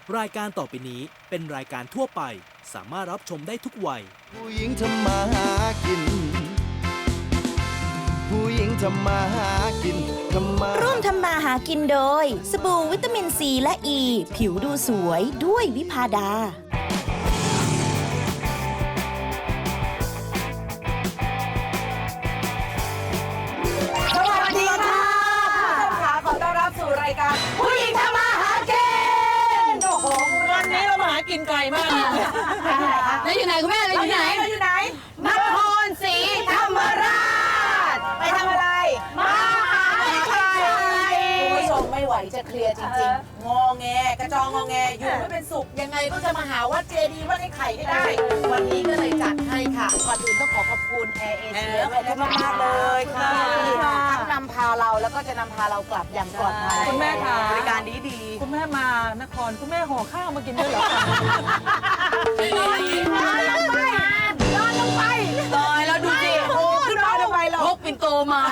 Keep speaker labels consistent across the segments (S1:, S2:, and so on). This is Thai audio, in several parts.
S1: รายการต่อไปนี้เป็นรายการทั่วไปสามารถรับชมได้ทุกวัย
S2: ผู้หญิงทำมาหากินผู้หญิงทำมาหากิน
S3: ร่วมทำมาหากินโดยสบู่วิตามินซีและอ e, ีผิวดูสวยด้วยวิภาดา
S4: สวัสดีค่ะขอต้อนรับสู่รายการผู้หญิงทำมาหากินโอ้โหวันนี้เรามาหากินไกลมากแล้วอยู่ไหนคุณแม่เราอยู่ไหนนครศรีธรรมราชไปทำอะไรมาหาไข่คุณผู้ชมไม่ไหวจะเคลียร์จริงๆงอแงกระจองงอแงอยู่ไม่เป็นสุขยังไงก็จะมาหาวัดเจดีย์วัดไอ้ไข่ให้ได้ วันนี้ก็เลยจัดให้ค่ะก่อนอื่นต้องขอบคุณแอร์เอเชียขอบคุณมากๆเลยค่ะทั้งนำพาเราแล้วก็จะนำพาเรากลับอย่างปลอดภัย
S5: คุณแม่ค่ะ
S4: บริการดี
S5: คุณแม่มานครคุณแม่ห่อข้าวมากินด้วยเหรอคะ
S4: นอนลงไปลอยแล้วดูสิโอ้ขึ้นมาทำไมเราพกปิ่นโตมา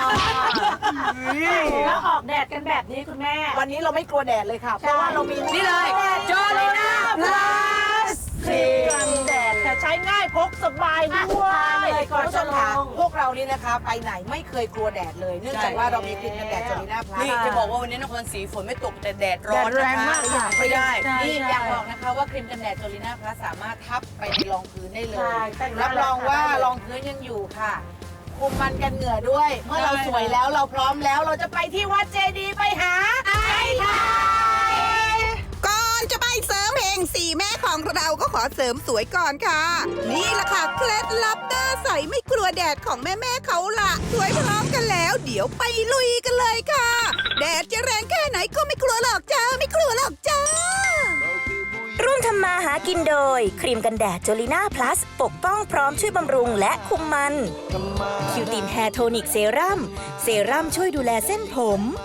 S4: แล้วออกแดดกันแบบนี้คุณแม่วันนี้เราไม่กลัวแดดเลยค่ะเพราะว่าเรามีนี่เลยจอริน่าพลัสกันแดดแต่ใช้ง่ายพกสบายด้วยคุณผู้ชมค่ะพวกเรานี่นะคะไปไหนไม่เคยกลัวแดดเลยเนื่องจากว่าเรามีครีมกันแดดจอริน่าพลัส
S6: นี่จะบอกว่าวันนี้นครศรีฝนไม่ตกแต่แดดร้อน
S4: แรงมาก
S6: ไม่ได้
S4: นี่อยากบอกนะคะว่าครีมกันแดดจอริน่าพลัสสามารถทับไปในรองพื้นได้เลยรับรองว่ารองพื้นยังอยู่ค่ะคุมมันกันเหงื่อด้วย เมื่อเราสวยแล้วเราพร้อมแล้วเราจะไปที่วัดเจดีย์ไปหาไอ้ไข่
S7: ก่อนจะไปเสริมเฮงสี่แม่ของเราก็ขอเสริมสวยก่อนค่ะ นี่แหละค่ะเคล็ดลับหน้าใสไม่กลัวแดดของแม่ๆเขาล่ะสวยพร้อมกันแล้ว เดี๋ยวไปลุยกันเลยค่ะ แดดจะแรงแค่ไหนก็ไม่กลัวหรอกจ้าไม่กลัวหรอกจ้า
S3: ร่วมทำมาหากินโดยครีมกันแดดจอลิน่าพลัสปกป้องพร้อมช่วยบำรุงและคุมมันคิวตินแฮร์โทนิกเซรั่มช่วยดูแลเส้นผม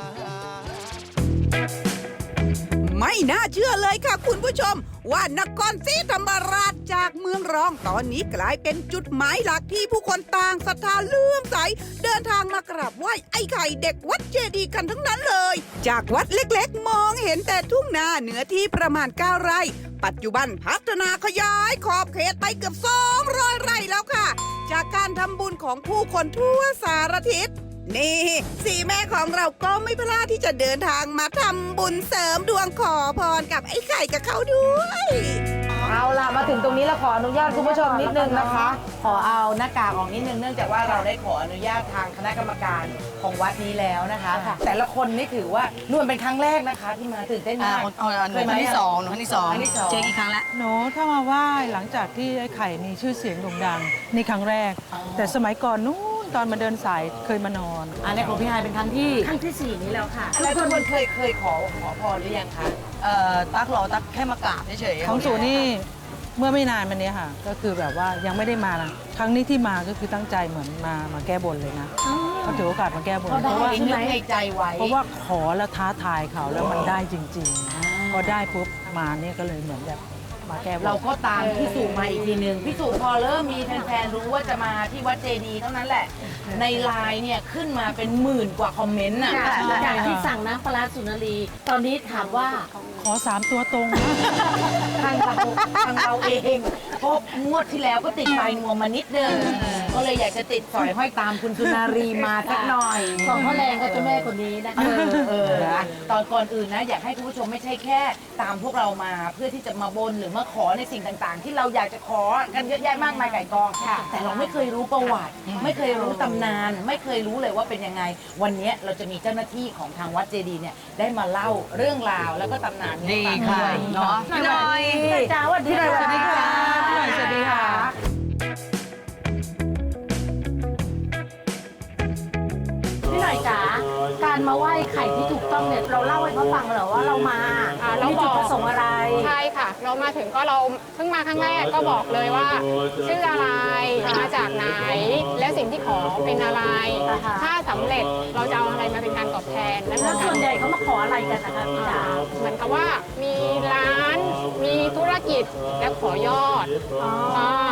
S7: ไม่น่าเชื่อเลยค่ะคุณผู้ชม ว่านครศรีธรรมราชจากเมืองรองตอนนี้กลายเป็นจุดหมายหลักที่ผู้คนต่างศรัทธาเลื่อมใสเดินทางมากราบไหว้ไอ้ไข่เด็กวัดเจดีย์กันทั้งนั้นเลย จากวัดเล็กๆมองเห็นแต่ทุ่งนาเนื้อที่ประมาณ9 ไร่ ปัจจุบันพัฒนาขยายขอบเขตไปเกือบ200 ไร่แล้วค่ะ จากการทำบุญของผู้คนทั่วสารทิศนี่สี่แม่ของเราก็ไม่พลาดที่จะเดินทางมาทำบุญเสริมดวงขอพรกับไอ้ไข่กับเขาด้วย
S4: เอาล่ะมาถึงตรงนี้แล้วขออนุญาตคุณผู้ชมนิดนึงนะคะ ขอเอาหน้ากากออกนิดนึงเนื่องจากว่าเราได้ขออนุญาตทางคณะกรรมการของวัดนี้แล้วนะคะ แต่ละคนนี่ถือว่านู่นเป็นครั้งแรกนะคะที่มาตื่นเต้นมาก
S6: หนูครั้งที่สองเจ๊กี่ครั้งแล้ว
S5: หนูถ้ามาไหว้หลังจากที่ไอ้ไข่มีชื่อเสียงโด่งดังนี่ครั้งแรก แต่สมัยก่อนนู้นตอนมาเดินสายเคยมานอน
S4: อันนี้ของพี่ไฮายเป็นครั้งที่4นี้แล้วค่ะแล้วทุกคนเคยขอพรหรือยังคะ
S6: ตักแค่มากราบเฉยๆ
S5: ของสูนี่เมื่อไม่นานมานี้ค่ะ ก็คือแบบว่ายังไม่ได้มานะครั้งนี้ที่มาก็คือตั้งใจเหมือนมาแก้บนเลยนะเขาถือโอกาสมาแก้บนเพราะว่า
S4: นึกในใจไว้
S5: เพราะว่าขอแล้วท้าทายเขาแล้วมันได้จริงๆพอได้ปุ๊บมาเนี่ยก็เลยเหมือนแบบมาแก้บน
S4: เราก็ตามพี่สุมาอีกทีหนึ่งพี่สุพอเริ่มมีแฟนๆรู้ว่าจะมาที่วัดเจดีย์เท่านั้นแหละ ในไลน์เนี่ยขึ้นมาเป็น10,000 กว่าคอมเมนต์น่ะ
S8: จากที่สั่งน้ำปลาร้าสุนารี ตอนนี้ถามว่า
S5: ขอ3 ตัวตรงนะ
S4: ทางเราเองเพราะงวดที่แล้วก็ติดไปงวงมานิดนึงก็เลยอยากจะติดสอยห้อยตามคุณสุนารีมาสักหน่อย
S8: ของพ่อแรงกับเจ้าแม่คนนี้นะคะ
S4: ตอนก่อนอื่นนะอยากให้คุณผู้ชมไม่ใช่แค่ตามพวกเรามาเพื่อที่จะมาบนหรือมาขอในสิ่งต่างๆ ที่เราอยากจะขอกันเยอะแยะมากมายไก่กองแต่เราไม่เคยรู้ประวัติ ไม่เคยรู้ตำนาน ไม่เคยรู้เลยว่าเป็นยังไง วันนี้เราจะมีเจ้าหน้าที่ของทางวัดเจดีย์เนี่ยได้มาเล่าเรื่องราวแล้วก็ตำนานนี้ให้ฟังด้วยเนาะ
S6: พี่หน่อย
S8: จ้าวันที่
S5: สวัสดีค่ะพี่หน่อยสวัสดีค่ะ
S8: พี่หน่อยจ๋าการมาไหว้ไข่ที่ถูกต้องเนี่ยเราเล่าให้เขาฟังเหรอว่าเรามาเราจุดประสงค์อะไร
S9: ใช่ค่ะ เรามาถึงก็เราเพิ่งมาครั้งแรกก็บอกเลยว่า ชื่ออะไรมาจากไหน และสิ่งที่ขอเป็นอะไร ถ้าสำเร็จเราจะเอาอะไรมาเป็นการตอบแทนนั่น
S8: แล้วส่วนใหญ่เขามาขออะไรกันนะคะพี่จ๋า
S9: เหมือนกับว่ามีร้านมีธุรกิจและขอยอดถ้า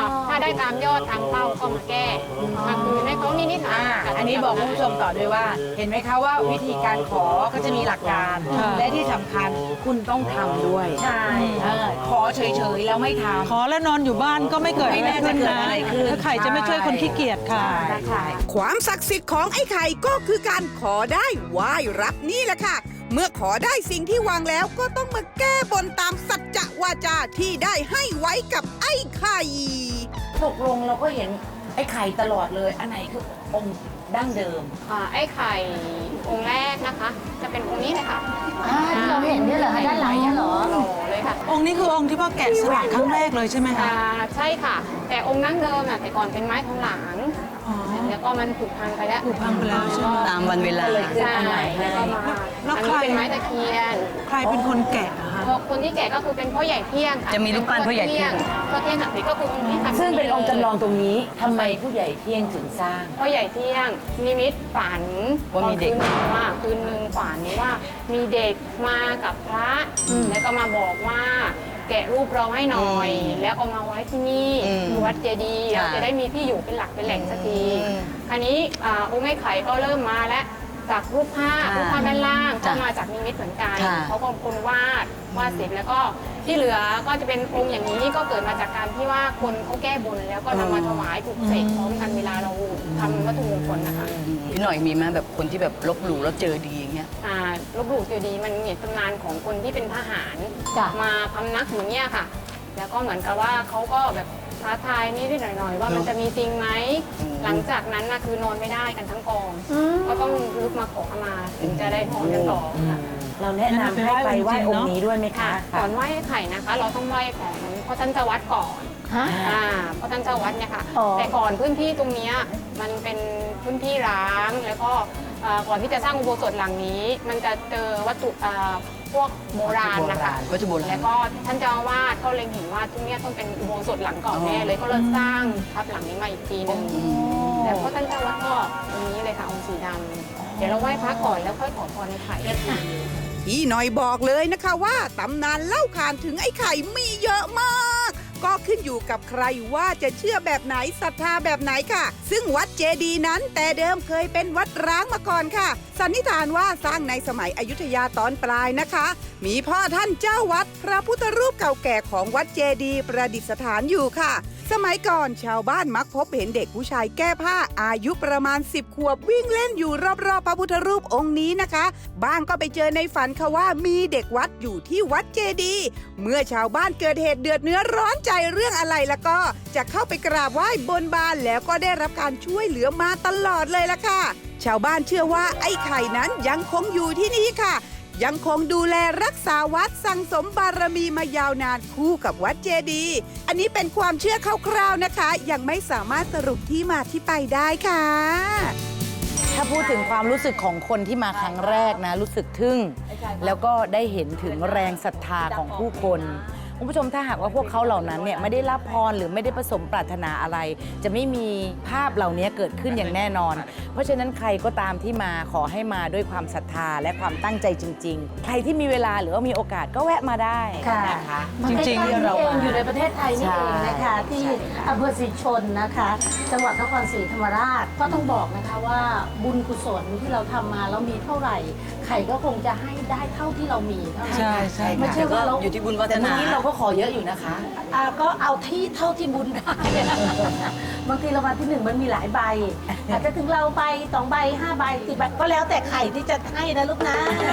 S9: ได้ตามยอดตามเป้าก็มาแก้มาคืนให้เขานิดๆหน่อยๆ
S4: อันนี้บอกคุณผู้ชมต่อด้วยว่า เห็นไหมคะว่าวิธีการขอก็จะมีหลักการ และที่สำคัญคุณต้องทำด้วย ใช่ขอเฉยๆแล้วไม่ทำ
S5: ขอแล้วนอนอยู่บ้านก็ไม่เกิดอะไรขึ้นนะถ้าไข่จะไม่ช่วยคนขี้เกียจค่ะ
S7: ความศักดิ์สิทธิ์ของไอ้ไข่ก็คือการขอได้ไหว้รับนี่แหละค่ะ เมื่อขอได้สิ่งที่วางแล้วก็ต้องมาแก้บนตามสัจจะวาจาที่ได้ให้ไว้กับไอ้ไข่
S4: ตกลงเราก็เห็นไอ้ไข่ตลอดเลย อันไหนคือองค์ดั้งเดิม
S9: ไอ้ไข่องค์แรกนะคะ จะเป็นองค์นี้เลยค่ะ
S8: ที่เราเห็นเนี่ยเหรอคะด้านหลังเนี่ยเหรอ
S9: หล่อเลยค่ะ
S5: องค์นี้คือองค์ที่พ่อแกะสลักครั้งแรกเลยใช่ไหมคะ
S9: ใช่ค่ะ แต่องค์นั่งเดิมน่ะแต่ก่อนเป็นไม้ทองหลางแล้วก็มันผุพังไปแล้ว
S5: ผุพังไปแล้วใช่ไหม
S6: ตามวันเวลา
S9: ใช่แล้วก็มา
S5: แล้ว
S9: อัน
S5: ใคร
S9: นี้เป็นไม้ตะเคียน
S5: ใครเป็นคนแกะอะคะ
S9: คนที่แกะก็คือเป็นพ่อใหญ่เที่ยง
S6: จะมีรูปปั้นพ่อใหญ่เที่ยง
S9: พ่อเที่ยงหักเหก็คือองค์นี้ค่ะ
S4: ซึ่งเป็นองค์จำลองตรงนี้ทำไมผู้ใหญ่เที่ยงถึงสร้าง
S9: พ่อใหญ่เที่ยงนิมิตฝัน
S6: ว่ามีเด็ก
S9: คืนหนึ่งฝันว่ามีเด็กมากับพระแล้วก็มาบอกว่าแกะรูปเราให้หน่อย แล้วเอามาไว้ที่นี่ที่วัดเจดีย์เราจะได้มีที่อยู่เป็นหลักเป็นแหล่งสักทีคราวนี้องค์ไอ้ไข่ก็เริ่มมาแล้วจากรูปภาพด้านล่างก็มาจากนิมิตเหมือนกันเขาก็คนวาดเสร็จแล้วก็ที่เหลือก็จะเป็นองค์อย่างนี้ก็เกิดมาจากการที่ว่าคนเขาแก้บนแล้วก็นำมาถวายปลุกเสกพร้อมกันเวลาเราทำวัตถุมงคลนะคะ
S6: พี่หน่อยมีไหมแบบคนที่แบบลบหลู่แล้วเจอดีอย่างเงี้ย
S9: ลบหลู่เจดีย์มันมีตำนานของคนที่เป็นทหาร
S8: จ้ะ
S9: มาพำนักอย่างเงี้ยค่ะ แล้วก็เหมือนกับว่าเขาก็แบบท้าทายนิดๆหน่อยๆว่ามันจะมีจริงไหมหลังจากนั้นนะคือนอนไม่ได้กันทั้งกอง ก็ต้องลุกมาขอขมาถึงจะได้นอนกันต่อค่ะ
S4: เราแนะนำให้ไปไหว้องค์นี้ด้วยไหมคะ
S9: ก่อนไหว้ไข่นะคะ เราต้องไหว้ของพ่อท่านเจ้าวัดก่อน
S8: ฮะ
S9: พ่อท่านเจ้าวัดเนี่ยค่ะ
S8: อ๋อ
S9: แต่ก่อนพื้นที่ตรงเนี้ยมันเป็นพื้นที่ร้างแล้วก็ก่อนที่จะสร้างอุโบสถหลังนี้ มันจะเจอวัตถุพวกโบราณนะคะ
S6: วัตถุโบราณ
S9: แล้วก็ท่านเจ้าอาวาสก็เล็งเห็นว่าตรงเนี้ยต้องเป็นอุโบสถหลังเก่าแน่เลยก็เลยสร้างทับหลังนี้มาอีกทีหนึงแล้วพ่อท่านเจ้าวัดก็ตรงนี้เลยค่ะองค์สีดำเดี๋ยวเราไหว้พระก่อนแล้วค่อยขอพรในไข่
S7: พี่หน่อยบอกเลยนะคะว่าตำนานเล่าขานถึงไอ้ไข่มีเยอะมาก ก็ขึ้นอยู่กับใครว่าจะเชื่อแบบไหนศรัทธาแบบไหนค่ะ ซึ่งวัดเจดีย์นั้นแต่เดิมเคยเป็นวัดร้างมาก่อนค่ะ สันนิษฐานว่าสร้างในสมัยอยุธยาตอนปลายนะคะ มีพ่อท่านเจ้าวัดพระพุทธรูปเก่าแก่ของวัดเจดีย์ประดิษฐานอยู่ค่ะ สมัยก่อนชาวบ้านมักพบเห็นเด็กผู้ชายแก้ผ้าอายุประมาณ10 ขวบวิ่งเล่นอยู่รอบๆพระพุทธรูปองค์นี้นะคะบ้างก็ไปเจอในฝันค่ะว่ามีเด็กวัดอยู่ที่วัดเจดีย์เมื่อชาวบ้านเกิดเหตุเดือดเนื้อร้อนใจเรื่องอะไรแล้วก็จะเข้าไปกราบไหว้บนบานแล้วก็ได้รับการช่วยเหลือมาตลอดเลยล่ะค่ะชาวบ้านเชื่อว่าไอ้ไข่นั้นยังคงอยู่ที่นี่ค่ะ ยังคงดูแลรักษาวัดสั่งสมบารมีมายาวนานคู่กับวัดเจดีย์อันนี้เป็นความเชื่อคร่าวๆนะคะ ยังไม่สามารถสรุปที่มาที่ไปได้ค่ะ
S4: ถ้าพูดถึงความรู้สึกของคนที่มาครั้งแรกนะ รู้สึกทึ่ง แล้วก็ได้เห็นถึงแรงศรัทธาของผู้คนคุณผู้ชมถ้าหากว่าพวกเขาเหล่านั้นเนี่ยไม่ได้รับพรหรือไม่ได้ประสมปรารถนาอะไร จะไม่มีภาพเหล่านี้เกิดขึ้นอย่างแน่นอน เพราะฉะนั้นใครก็ตามที่มาขอให้มาด้วยความศรัทธาและความตั้งใจจริง ๆ ใครที่มีเวลาหรือว่ามีโอกาสก็แวะมาได้นะคะ
S8: จริงๆ
S4: ที่
S8: เรา
S4: มา
S8: อยู่ในประเทศไทยนี่เองนะคะ ที่อำเภอศรีชนนะคะ จังหวัดนครศรีธรรมราชก็ต้องบอกนะคะว่าบุญกุศลที่เราทำมาแล้วมีเท่าไหร่ไข่ก็คงจะให้ได้เท่าที่เรามีเท่านั้น
S5: ใช่ใช่
S8: ไม่ใช่ว่าเรา
S6: อยู่ที่บุญวาส
S4: แต่เมื่อ
S6: นา
S4: กี้เราก็ขอเยอะอยู่นะคะ
S8: ก็เอาที่เท่าที่บุญได้ บางทีรางวัลที่ 1มันมีหลายใบอาจจะถึงเราใบ2ใบ5ใบ10ใบก็แล้วแต่ไข่ที่จะให้นะลูกนะ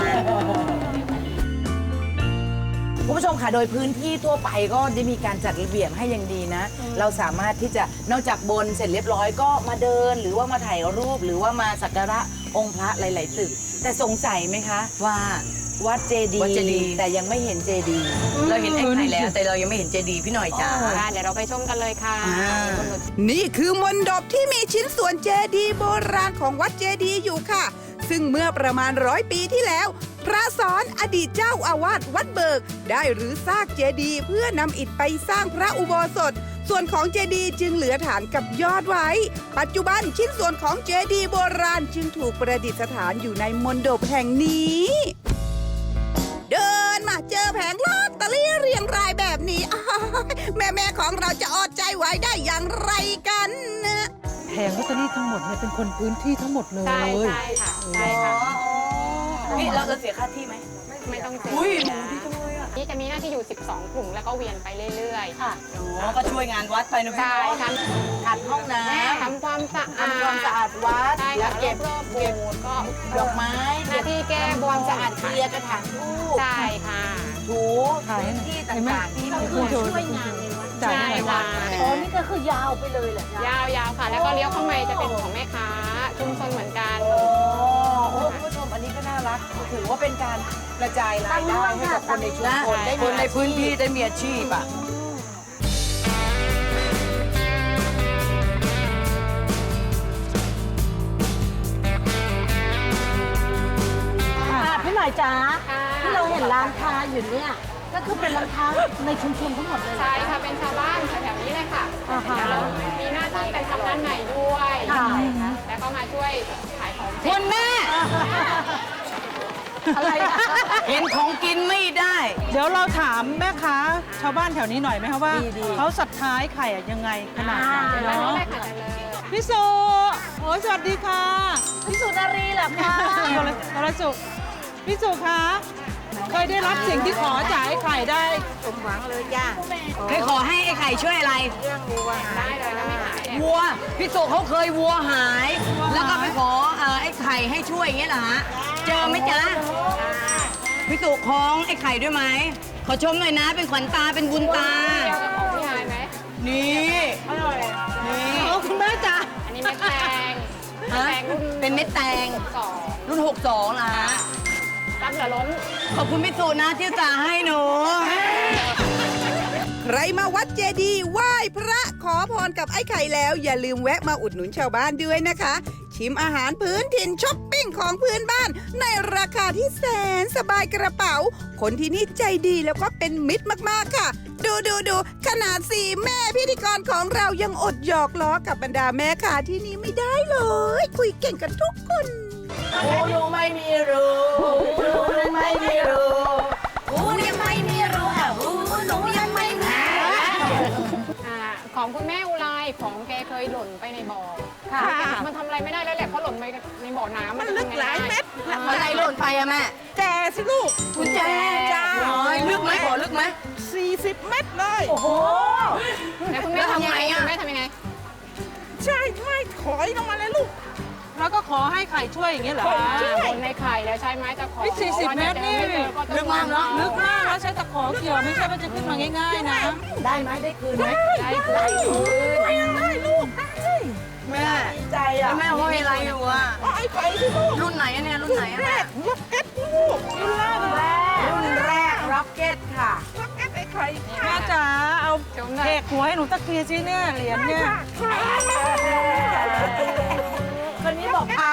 S4: คุณผู้ชมค่ะโดยพื้นที่ทั่วไปก็ได้มีการจัดระเบียบให้อย่างดีนะ เราสามารถที่จะนอกจากบนเสร็จเรียบร้อยก็มาเดิน หรือว่ามาถ่ายรูปหรือว่ามาสักการะองค์พระหลาย ๆ ตึก แต่สงสัยไหมคะ
S6: ว่า
S4: วัดเจดี
S6: วัดเจดีย์
S4: แต่ยังไม่เห็นเจดีย์
S6: เราเห็นไอ้ไข่แล้ว แต่เรายังไม่เห็นเจดีย์พี่หน่อยจ้า
S9: เดี๋ยวเราไปชมกันเลยค่ะ
S7: นี่คือมณฑปที่มีชิ้นส่วนเจดีย์โบราณของวัดเจดีย์อยู่ค่ะ ซึ่งเมื่อประมาณ100 ปีที่แล้ว พระสอนอดีตเจ้าอาวาสวัดเบิก ได้รื้อซากเจดีย์เพื่อนำอิฐไปสร้างพระอุโบสถ ส่วนของเจดีย์จึงเหลือฐานกับยอดไว้ ปัจจุบันชิ้นส่วนของเจดีย์โบราณจึงถูกประดิษฐานอยู่ในมณฑปแห่งนี้ เดินมาเจอแผงลอตเตอรี่เรียงรายแบบนี้แม่ของเราจะอดใจไหวได้อย่างไรกันนะ
S5: แผงลอตเตอรี่ทั้งหมดเนี่ยเป็นคนพื้นที่ทั้งหมดเลย
S9: ใช่ค่ะใช่ค่ะ
S6: นี่เราเสียค่าที่ไหม
S9: ไม่ต้องเสีย
S6: อุ้ยหนูดีจังเลยอ่ะ
S9: นี่จะมีหน้าที่อยู่ 12 กลุ่มแล้วก็เวียนไปเรื่อยๆ ค่ะ
S6: อ๋อก็ช่วยงานวัดไปนะพี่
S9: ใช่ท
S4: ขัดห้องน้
S9: ำทำความสะอาด
S4: ำทำความสะอาดวัด
S9: ใช่
S4: แล้
S9: ค่ะ
S4: วเก็บ
S9: รอบๆโบสถ์ก็
S4: ดอกไม้
S9: หน้าที่แก้บ
S4: คว วาม
S9: ม
S4: สะอาดเคลียร์กระถางทูบ
S9: ใช่ค่ะ
S4: ถู
S5: ถ่ายให้
S4: ที่
S5: เห็นไหม
S4: ต่างๆที่
S5: ให้คุณโจช่วยงานในวัดจ่าย
S9: ใช่
S5: ให้หน่อย
S9: ค่ะ
S8: อ๋อ นี่ก็คือยาวไปเลยเหรอย
S9: าวๆค่ะ แล้วก็เลี้ยวเข้ามาจะเป็นของแม่ค้าชุมชนเหมือนกัน
S4: โอ้คุณผู้ชมอันนี้ก็น่ารักถือว่าเป็นการกระจายรายได้ให้กับคนในชุมชนได้
S6: ค
S4: มี
S6: นในพื้นที่ได้มีอาชีพอ่ะ
S8: พี่หน่อยจ้า
S9: ค่ะ
S8: ที่เราเห็นร้านค้าอยู่เนี่ย ก็คือเป็นร้านค้าในชุมชนทั้งหมดเลยเหรอ
S9: ใช่ค่ะ เป็นชาวบ้านแถวๆนี้เลยค่ะ
S8: อ่าฮะ
S9: แล้วมีหน้าที่กันทำด้านในด้วย
S8: ค่ะ
S9: แล้วก็มาช่วยขายของ
S6: คุณแม่
S8: อะไรอะ
S6: เห็นของกินไม่ได้
S5: เดี๋ยวเราถามแม่ค้าชาวบ้านแถวนี้หน่อยไหมคะว่าเขาศรัทธาไอ้ไข่อะยังไงขนาดไหน
S9: ด้านนี้
S5: เนาะ
S9: เลยค่ะเจริญ
S5: พี่สุโอ้ยสวัสดีค่ะ
S8: พี่สุนารีเหรอคะ
S5: วรสุขพี่สุคะเคยได้รับสิ่งที่ขอจากไอ้ไข่ได้
S6: เคยขอให้ไอ้ไข่ช่วยอะไร
S9: ได้เลยถ้าไม่หายเนี่ย
S6: วัว พี่สุเขาเคยวัวหาย แล้วก็ไปขอไอ้ไข่ให้ช่วยอย่างเงี้ยเหรอฮะ เจอไหมจ๊ะ พี่สุคล้องไอ้ไข่ด้วยไหม ขอชมหน่อยนะ เป็นขวัญตา เป็นบุญตา
S9: เกี่ยวกับของพี่หายไหม
S6: นี่ นี่
S5: โอ้คุณแม่จ๋า
S9: อันนี้เม็ดแตง
S6: ฮะ
S9: แตงรุ่น
S6: เป็นเม็ดแตง
S9: 2
S6: รุ่น 62เหรอฮะ
S9: รับเหลือล้น
S6: ขอบคุณพี่สุนะที่อุตส่าห์ให้หนู
S7: ใครมาวัดเจดีย์ไหว้พระขอพรกับไอ้ไข่แล้ว อย่าลืมแวะมาอุดหนุนชาวบ้านด้วยนะคะ ชิมอาหารพื้นถิ่นช้อปปิ้งของพื้นบ้าน ในราคาที่แสนสบายกระเป๋า คนที่นี่ใจดีแล้วก็เป็นมิตรมากๆค่ะ ดูขนาด4แม่พิธีกรของเรายังอดหยอกล้อกับบรรดาแม่ค้าที่นี่ไม่ได้เลย คุยเก่งกันทุกคน
S4: รู้ไม่มีรู้รู้ไม่มีรู้รู้ยังไม่มีรู้อ่ะรู้หนูยังไม่มี
S9: ของคุณแม่อุไรของแกเคยหล่นไปในบ่อ
S8: ค่ะ
S9: มันทำอะไรไม่ได้แล้วแหละเพราะหล่นไปในบ่อน้ำมันลึกหลายเม็ด
S6: อะไรหล่นไปอะแม่
S5: แจสิลูก
S6: กุญแจจ้าลึกไหมบ่อลึกไหม
S5: 40 เม็ดเลย
S8: โอ้โห
S9: แล้วคุณแม่ทำยังไง
S6: แล้วทำไงอะ
S9: คุณแม่ทำยังไง
S5: ใช่ถอยลงมาเลยลูก แล้วก็ขอให้ไข่ช่วยอย่างเงี้ยเหรอ
S9: บนในไข่แล้วใช้ไม้ตะขอ
S5: นี่40เมตรนี่
S6: ลึกมากเนอะ
S5: ลึกมากแล้วใช้ตะขอเกี่ยวไม่ใช่ว่าจะขึ้นมาง่ายๆนะ
S4: ได้ไหมได้คืนไหม
S9: ได้คือ
S6: แม่
S4: ใจ
S6: แล้
S4: อ่ะ
S6: วแม่ห้อยอะไรอยู่อะ
S4: ไอ้ไข่ที่ลูก
S6: รุ่นไหนอะเนี่ยรุ่นไหนอะแม่
S4: รุ่นแรกร็อกเก็ตค่ะ
S5: แม่จ๋าเอา
S9: ชมหน่อ
S5: เท
S9: ย
S5: กหัวให้หนูตะเคียนสิเนี่ยเหรียญเนี่ย
S4: คนนี้บอกพา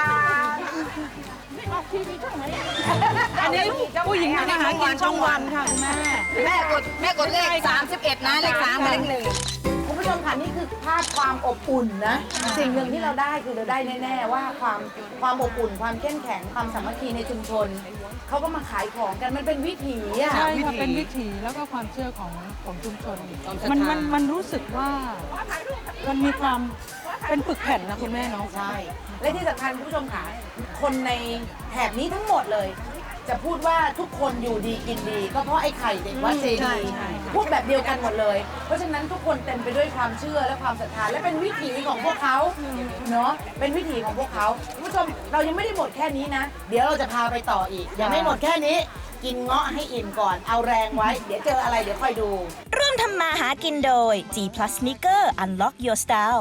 S5: อันนี้ผู้หญิงทำอาหารกินช่องวันค่ะคุณแม่
S6: แม่กดเลข 31 นะ เลข3กับเลข1
S4: คุณผู้ชมค่ะนี่คือภาพความอบอุ่นนะ สิ่งหนึ่งที่เราได้คือเราได้แน่ๆว่าความอบอุ่น ความเข้มแข็งความสามัคคีในชุมชนเขาก็มาขายของกันมันเป็นวิถีอ่ะ
S5: ใช่ค่ะเป็นวิถีแล้วก็ความเชื่อของชุมชน มันรู้สึกว่ามันมีความเป็นปึกแผ่นนะคุณแม่เนาะ
S4: ใช่ และที่สำคัญคุณผู้ชมค่ะคนในแถบนี้ทั้งหมดเลย จะพูดว่าทุกคนอยู่ดีกินดี ก็เพราะไอ้ไข่เด็กวัดเจดีย์พูดแบบเดียวกันหมดเลย เพราะฉะนั้นทุกคนเต็มไปด้วยความเชื่อและความศรัทธาและเป็นวิถีของพวกเขาเนาะเป็นวิถีของพวกเขาคุณผู้ชมเรายังไม่ได้หมดแค่นี้นะ เดี๋ยวเราจะพาไปต่ออีกยังไม่หมดแค่นี้ กินเงาะให้อิ่มก่อนเอาแรงไว้ เดี๋ยวเจออะไรเดี๋ยวค่อยดู
S3: ร่วมทำมาหากินโดย G Plus Sneaker Unlock Your Style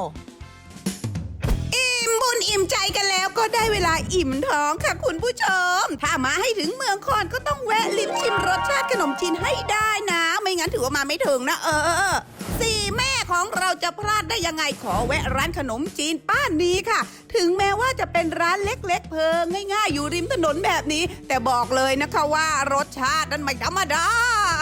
S7: อิ่มบุญอิ่มใจกันแล้วก็ได้เวลาอิ่มท้องค่ะคุณผู้ชม ถ้ามาให้ถึงเมืองคอนก็ต้องแวะลิ้มชิมรสชาติขนมจีนให้ได้นะ ไม่งั้นถือว่ามาไม่ถึงนะสี่แม่ของเราจะพลาดได้ยังไงขอแวะร้านขนมจีนป้านี้ค่ะ ถึงแม้ว่าจะเป็นร้านเล็กๆ เพิงง่ายๆ อยู่ริมถนนแบบนี้ แต่บอกเลยนะคะว่ารสชาตินั้นไม่ธรรมดา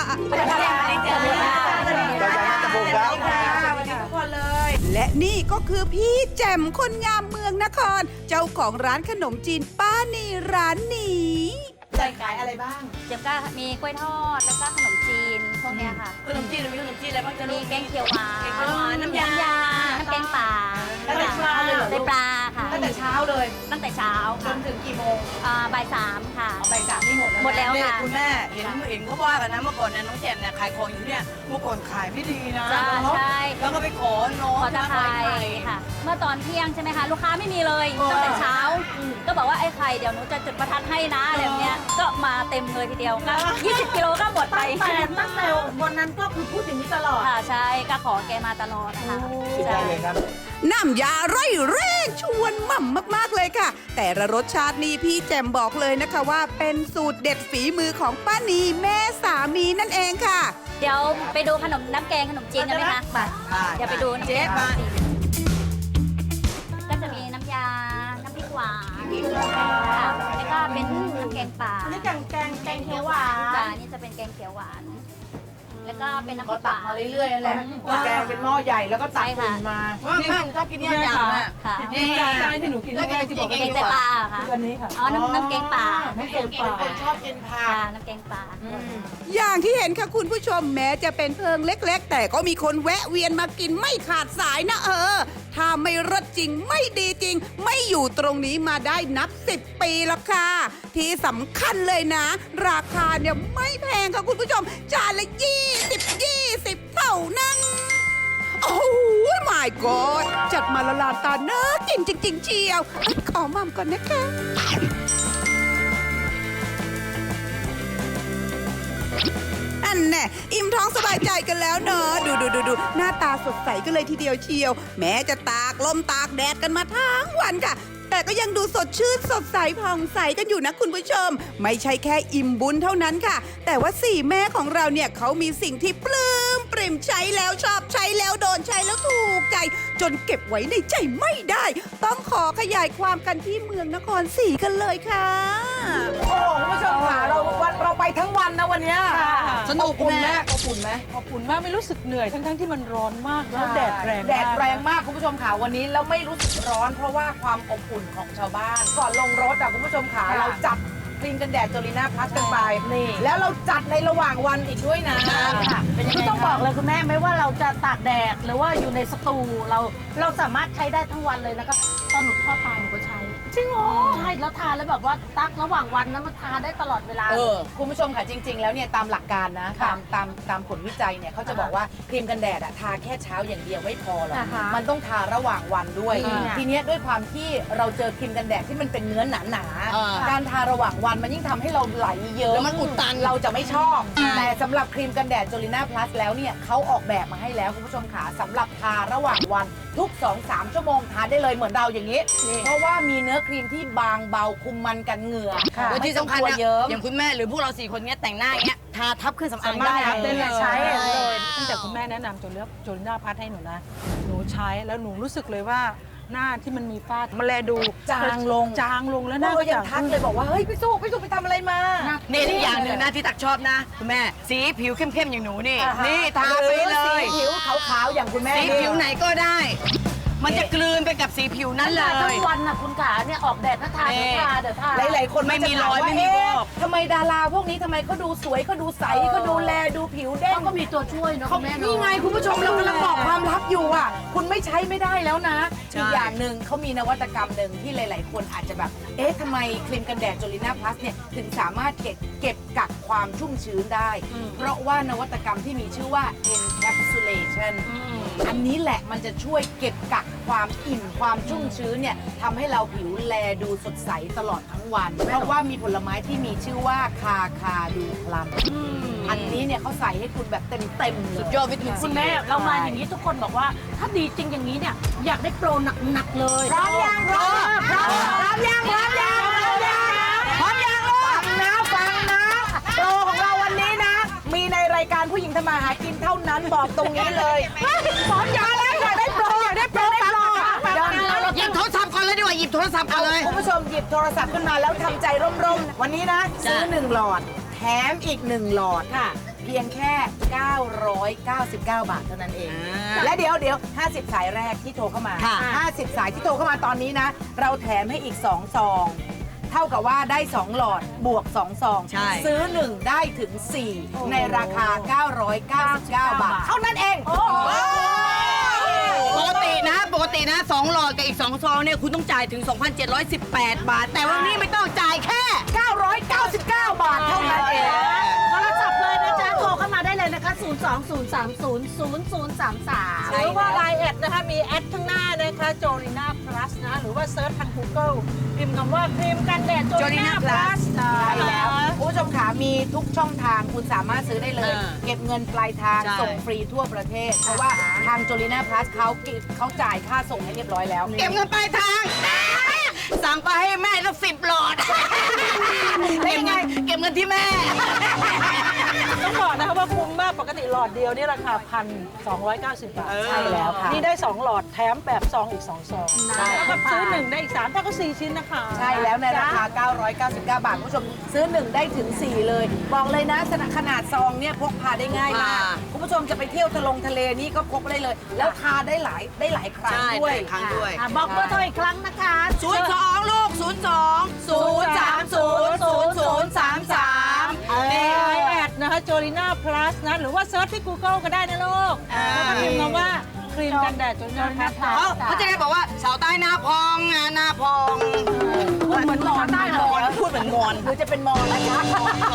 S7: และนี่ก็คือพี่แจ่มคนงามเมืองนคร เจ้าของร้านขนมจีนป้านีร้านนี้
S4: ใจขายอะไรบ้าง
S10: เจ๊ก็มีกล้วยทอด แล้วก็ขนมจีนพวกเนี้ยค่ะ
S6: ขนมจีนมีขนมจีนอะไรบ้างจะ
S10: มี
S6: รู้
S10: แกงเขียวหวาน
S6: น้ำยา
S10: น้ำแกงป่า
S4: ตั้งแต่เช้าเลยเหรอ
S10: ได้ปลาค่ะ
S4: ตั้งแต่เช้าเลย
S10: ตั้งแต่เช้า
S4: จนถึงกี่โมง
S10: บ่าย3ค่ะ
S4: เอาไปจากนี่หมดแล้ว
S10: หมดแล้ว
S6: เนี่ย
S10: ค่ะ
S6: คุณแม่เห็นเขาว่ากันนะเมื่อก่อนเนี่ยน้องแจ่มเนี่ยขายของอยู่เนี่ยเมื่อก่อนขายไม่ดีนะ
S10: จ้าใช่
S6: แล้วก็ไปขอน้อง
S10: ขอตะไคร้
S6: ไข่
S10: ค่ะ เมื่อตอนเที่ยงใช่ไหมคะ ลูกค้าไม่มีเลยตั้งแต่เช้า ก็บอกว่าไอ้ไข่เดี๋ยวหนูจะจุดประทัดให้นะอะไรแบบเนี้ยก็มาเต็มเลยทีเดียวก็20 กิโลก็หมดไป
S8: ตั้งแต่วันนั้นก็คือพูดอย่างนี้ตลอด
S10: ค่ะใช่ก็ขอแกมาตลอดนะคะใช่
S7: น้ำยาไร่เร่ชวนหม่ำมากๆเลยค่ะ แต่ละรสชาตินี้พี่แจมบอกเลยนะคะว่าเป็นสูตรเด็ดฝีมือของป้านีแม่สามีนั่นเองค่ะ
S10: เดี๋ยวไปดูขนมน้ำแกงขนมจีนกันไหมคะเดี๋ยวไปดูน้ำแกงขนมจีนก็จะมีน้ำยา น้ำพริกหวานค่ะแล้วก็เป็นน้ำแกงป่า
S8: นี่แกงเขียวหวาน
S10: จ้านี่จะเป็นแกงเขียวหวาน แล้วก็เป็นน้ำพ
S4: ก็
S10: ริกห
S4: ตัก
S10: วาน
S4: มาเรื่อยๆนั่นแหละแกงเป็นหม้อใหญ่แล้วก็ตัก
S10: ใช่ค่ะ
S4: อุ่นมา
S6: ว่าแม่ชอบกินเนี่ยอย่างอ่ะ
S10: ค่ะ
S6: นี่
S5: ที่หนูกิน
S6: แล้วแกงที่บอก
S10: แกงไตปลาค่ะ
S5: อันนี้ค่ะ
S10: อ๋อ น้ำแกงป่า
S4: ไม่เก่งป่าคนชอบกินผัก
S10: ค่ะน้ำแกงป่า
S7: อย่างที่เห็นค่ะคุณผู้ชมแม้จะเป็นเพิงเล็ก ๆ แต่ก็มีคนแวะเวียนมากินไม่ขาดสายนะถ้าไม่รสจริงไม่ดีจริง ไม่อยู่ตรงนี้มาได้นับ 10 ปีแล้วค่ะ ที่สำคัญเลยนะ ราคาเนี่ยไม่แพงค่ะคุณผู้ชม จานละ20 เท่านั้น โอ้โห my god จัดมาละลานตาเนื้อกินจริง ๆ เชียวขอมัมก่อนนะคะ อันแน่อิ่มท้องสบายใจกันแล้วเนอะดูหน้าตาสดใสกันเลยทีเดียวเชียว แม้จะตากลมตากแดดกันมาทั้งวันค่ะ แต่ก็ยังดูสดชื่นสดใสผ่องใสกันอยู่นะคุณผู้ชม ไม่ใช่แค่อิ่มบุญเท่านั้นค่ะ แต่ว่าสี่แม่ของเราเนี่ยเขามีสิ่งที่ปลื้มปริ่มใช้แล้วชอบใช้แล้วโดนใช้แล้วถูกใจ จนเก็บไว้ในใจไม่ได้ ต้องขอขยายความกันที่เมืองนครศรีกันเลยค่ะ
S4: โอ้โหคุณผู้ชมค่ะเราไปทั้งวันนะวันเนี้ย
S6: สนุก
S4: อบอุ่นไหม
S6: แม่
S4: อบอุ่นไหม
S5: ขอบคุณมากไม่รู้สึกเหนื่อยทั้งที่มันร้อนมากแล้วแดดแรง
S4: แดด
S5: มาก
S4: แรงมากคุณผู้ชมค่ะวันนี้แล้วไม่รู้สึกร้อนเพราะว่าความอบอุ่นของชาวบ้าน ก่อนลงรถอ่ะคุณผู้ชมค่ะเราจัดครีมกันแดดจอริน่าพลัสกันไปแล้วเราจัดในระหว่างวันอีกด้วยนะเป็นยังไง
S8: ก็ต้องบอกเลยคุณแม่ไม่ว่าเราจะตากแดดหรือว่าอยู่ในสตูเราสามารถใช้ได้ทั้งวันเลยนะคะตอนหนูทอดปลาหนูก็ใช้จริงเหรอใช่แล้วทานแล้วแบบว่าตักระหว่างวันนั้นมันทานได้ตลอดเวลา
S4: คุณผู้ชมค่ะจริง ๆ แล้วเนี่ยตามหลักการนะตามผลวิจัยเนี่ยเขาจะบอกว่าครีมกันแดดอะทาแค่เช้าอย่างเดียวไม่พอหรอก
S8: นะคะ
S4: มันต้องทาระหว่างวันด้วย
S8: อืม
S4: ทีเนี้ยด้วยความที่เราเจอครีมกันแดดที่มันเป็นเนื้อหนา
S6: อ่า
S4: ๆการทาระหว่างวันมันยิ่งทำให้เราไหลเยอะ
S6: แล้วมันอุดตัน
S4: เราจะไม่ชอบ แต่สำหรับครีมกันแดดจอริน่าพลัสแล้วเนี่ยเขาออกแบบมาให้แล้วคุณผู้ชมค่ะสำหรับทาระหว่างวันทุก 2-3 ชั่วโมงทาได้เลยเหมือนเราอย่างนี้ เพราะว่ามีเนื้อครีมที่บางเบาคุมมันกันเหงื่อ
S6: แล้วที่สำคัญ
S4: ไม่
S6: นะ
S4: ต้องกลัวเยิ้ม
S6: อย่างคุณแม่หรือพวกเรา4 คนเนี้ยแต่งหน้าอย่างเงี้ยทาทับเครื่องสำอางได้
S4: สามารถทาได้เลย
S8: ใช้เลย
S5: ตั้งแต่คุณแม่แนะนำจนเลือกจนหน้าพัดให้หนูนะ หนูใช้แล้วหนูรู้สึกเลยว่าหน้าที่มันมีฝ้ามันแลดู
S4: จางลง
S5: จางลงแล้วห
S4: แม่
S5: น้า
S4: ก็ยังทักเลยบอกว่าเฮ้ยพี่สุไปทำอะไรมา
S6: นี่อีกอย่างหนึ่งนะที่ตักชอบนะคุณแม่สีผิวเข้มๆอย่างหนูนี่ นี่ทาไปเล
S4: สี
S6: ย
S4: ผิวขาวๆอย่างคุณแม่
S6: สีผิวไหนก็ได้ มันจะกลืนไปกับสีผิวนั้นเล
S8: ทั้
S6: ย
S8: งวันนะคุณขาเนี่ยออกแดดถ้าทานเดี๋ยวทา
S4: หลายๆคน
S6: ไม่มี
S4: าจะถาร
S6: อย
S4: ว่า
S6: ไม่มีวอก
S4: ทำไมดาราพวกนี้ทำไมเขาดูสวยเขาดูใสเขาดูแลดูผิวเด้ง
S8: เขาก็มีตัวช่วยเนอะ
S4: เขา
S8: คุณแม่เนอะ
S4: นี่ไงคุณผู้ชมเรากำลังบอกความลับอยู่อ่ะ คุณไม่ใช้ไม่ได้แล้วนะ
S6: ใช่
S4: อีกอย่างหนึ่งเขามีนวัตกรรมหนึ่งที่หลาย ๆ คนอาจจะแบบเอ๊ะทำไมครีมกันแดดจอริน่าพลัสเนี่ยถึงสามารถเก็บกักความชุ่มชื้นได้ เพราะว่านวัตกรรมที่มีชื่อว่า encapsulation อันนี้แหละมันจะช่วยเก็บกักความอิ่มความชุ่มชื้นเนี่ยทำให้เราผิวแลดูสดใสตลอดทั้งวัน เพราะว่ามีผลไม้ที่มีชื่อว่าคาดูพลัมอันนี้เนี่ยเขาใส่ให้คุณแบบเต็มๆเลย
S6: สุดยอดวิตามิน
S8: คุ
S6: ซี
S8: ณแม่เรามาอย่างนี้ทุกคนบอกว่าถ้าดีจริงอย่างนี้เนี่ยอยากได้โปรหนักๆเลย
S4: พร้อมยังพร้อมยังฟังนะโปรของเราวันนี้นะ มีในรายการผู้หญิงทำมาหากินเท่านั้นบอกตรงนี้เลยพร้อมยังแล้วอยากได้โปรเดี๋ยว
S6: หยิบโทรศัพท์ก่อนเลยดีกว่าหยิบโทรศัพท์ก่อนเลย
S4: คุณผู้ชมหยิบโทรศัพท์ขึ้นมาแล้วทำใจร่มๆ วันนี้นะ ซื้อ 1 หลอด แถมอีก 1 หลอดค่ะ เพียงแค่ 999 บาทเท่านั้นเอง และเดี๋ยว 50 สายแรกที่โทรเข้ามา
S6: ค่ะ
S4: 50 สายที่โทรเข้ามาตอนนี้นะ เราแถมให้อีก 2 ซองเท่ากับว่าได้ 2 หลอดบวก 2 ซอง
S6: ใช่
S4: ซื้อ 1 ได้ถึง 4 ในราคา 999 บาท เท่านั้นเอง
S6: ปกตินะ2หลอดกับอีก2ซองเนี่ยคุณต้องจ่ายถึง 2,718 บาท แต่วันนี้ไม่ต้องจ่ายแค่
S4: 999 บาทเท่านั้นเอง
S8: โทรศัพท์เลยนะจ๊ะ โทรเข้ามาได้เลยนะคะ 020300033
S5: หรือว่า Line แอดนะคะ มีแอดข้างหน้านะคะโจลิน่าพลัสนะ หรือว่าเซิร์ชทาง Google พิมพ์คำว่าครีมกันแดดโจลิน่าพลัส
S4: ใช่แล้วคุณผู้ชมขามีทุกช่องทางคุณสามารถซื้อได้เลย เก็บเงินปลายทาง
S6: ใช่
S4: ส่งฟรีทั่วประเทศ เพราะว่าทาง Jolina Plus เขาจ่ายค่าส่งให้เรียบร้อยแล้ว
S6: เก็บเงินปลายทาง สั่งไปให้แม่สัก10 หลอดได้ยังไงเก็บเงินที่แม่
S5: ต้องบอกนะคะว่าคุ้มมากปกติหลอดเดียวนี่ราคา 1,290 บาท
S4: ใช่แล้วค่ะ
S5: นี่ได้ 2 หลอดแถมแบบซองอีก 2 ซอง
S4: ใช่
S5: แล้วก็ซื้อ 1 ได้อีก 3 ถ้าก็ 4 ชิ้นนะคะ
S4: ใช่แล้วในราคา 999 บาทคุณผู้ชมซื้อ 1 ได้ถึง 4 เลย บอกเลยนะขนาดซองเนี่ยพกพาได้ง่ายมาก คุณผู้ชมจะไปเที่ยวทะเลนี่ก็พกได้เลย แล้วทาได้หลายครั้ง
S6: ใช่
S4: ด้วย
S6: หลายครั้งด้วย
S8: บอกเบอร์โทรอีกครั้งนะคะ
S6: 02 ลูก
S5: นี่ไลน์แอดนะคะโจลิน่าพลัสนะ หรือว่าเซิร์ชที่ Google ก็ได้นะลูก แล้วก็พิมพ์คำว่าครีมกันแดดโจลิน่าพลัส
S6: เขาจะได้บอกว่าสาวใต้หน้าพองหน้าพอง
S4: พูดเหมือนมอนได้เหรอ
S6: พูดเหมือนมอน
S4: หรือจะเป็นมอนแล้วจ๊ะ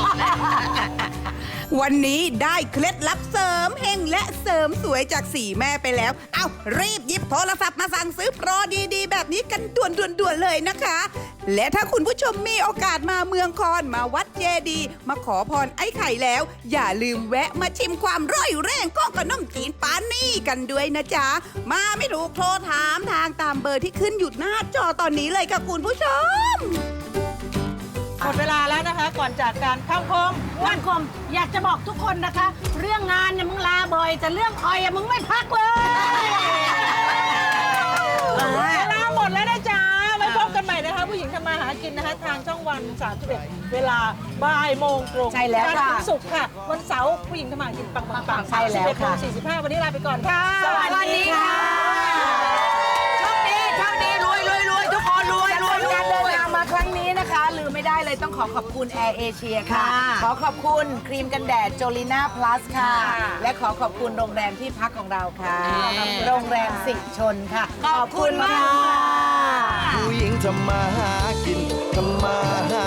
S7: วันนี้ได้เคล็ดลับเสริมเฮงและเสริมสวยจาก4แม่ไปแล้ว เอารีบหยิบโทรศัพท์มาสั่งซื้อโปรดีๆ แบบนี้กันด่วนๆเลยนะคะ และถ้าคุณผู้ชมมีโอกาสมาเมืองคอนมาวัดเจดีย์มาขอพรไอ้ไข่แล้ว อย่าลืมแวะมาชิมความร่อยแรงของขนมจีนปานี่กันด้วยนะจ๊ะ มาไม่ถูกโทรถามทางตามเบอร์ที่ขึ้นอยู่หน้าจอตอนนี้เลยค่ะคุณผู้ชม
S5: หมดเวลาแล้วนะคะ ก่อนจากการเข้าคม
S8: วันคมอยากจะบอกทุกคนนะคะ เรื่องงานเนี่ยมึงลาบ่อยแต่เรื่องออยอะมึงไม่พักเลย
S5: เวลาหมดแล้วนะจ๊ะไว้พบกันใหม่นะคะ ผู้หญิงทำมาหากินนะคะ ทางช่องวัน31เวลาบ่ายโมงตรง
S4: ใช่แล้วค่ะ
S5: จันทร์ถึงศุกร์ค่ะ วันเสาร์ผู้หญิงทำมาหากินปังๆ
S4: ใช่แล้วค่ะ
S5: 11:45 วันนี้ลาไปก่อนค่ะ
S4: สวัสดีค่ะ
S6: โชคดีรวยทุกคนรวย
S4: การเดินทางมาครั้งนี้นะคะ ลืมไม่ได้เลยต้องขอบคุณ Air Asia ค่ะ ขอขอบคุณครีมกันแดด Jolina Plus ค่ะ และขอบคุณโรงแรมที่พักของเราค่ะ โรงแรมสิชนค่ะ ขอบคุณมาก
S2: ผู้หญิงทำมาหากินทำมาหา